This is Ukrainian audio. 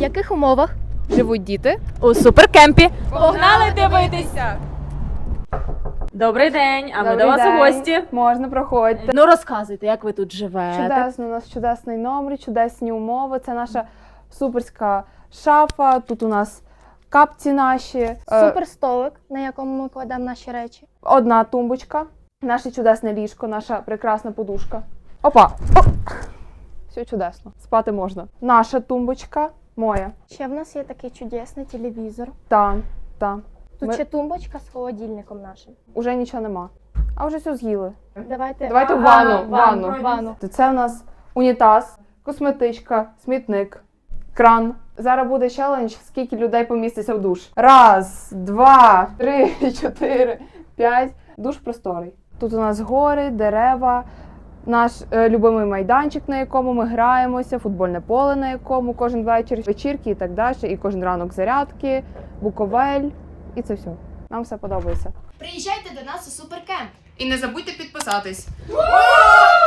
яких умовах Живуть діти У суперкемпі. Погнали дивитися! Добрий день, а ми Добрий до вас день. у гості. Можна, проходьте. Ну розказуйте, як ви тут живете. Чудесно, у нас чудесний номер, чудесні умови. Це наша суперська шафа. Тут у нас капці наші. суперстолик, на якому ми кладемо наші речі. Одна тумбочка, наше чудесне ліжко, наша прекрасна подушка. Опа! Оп! Все чудесно. Спати можна. Наша тумбочка, моя. Ще в нас є такий чудесний телевізор. Там, там. Тут Ми- ще тумбочка з холодильником нашим. Уже нічого нема. А вже все з'їли. Давайте в ванну. ванну. Це у нас унітаз, косметичка, смітник, кран. Зараз буде челендж, скільки людей поміститься в душ. 1, 2, 3, 4, 5. Душ просторий. Тут у нас гори, дерева, наш любимий майданчик, на якому ми граємося, футбольне поле, на якому кожен вечір вечірки і так далі, і кожен ранок зарядки, буковель, і це все. Нам все подобається. Приїжджайте до нас у суперкемп. І не забудьте підписатись.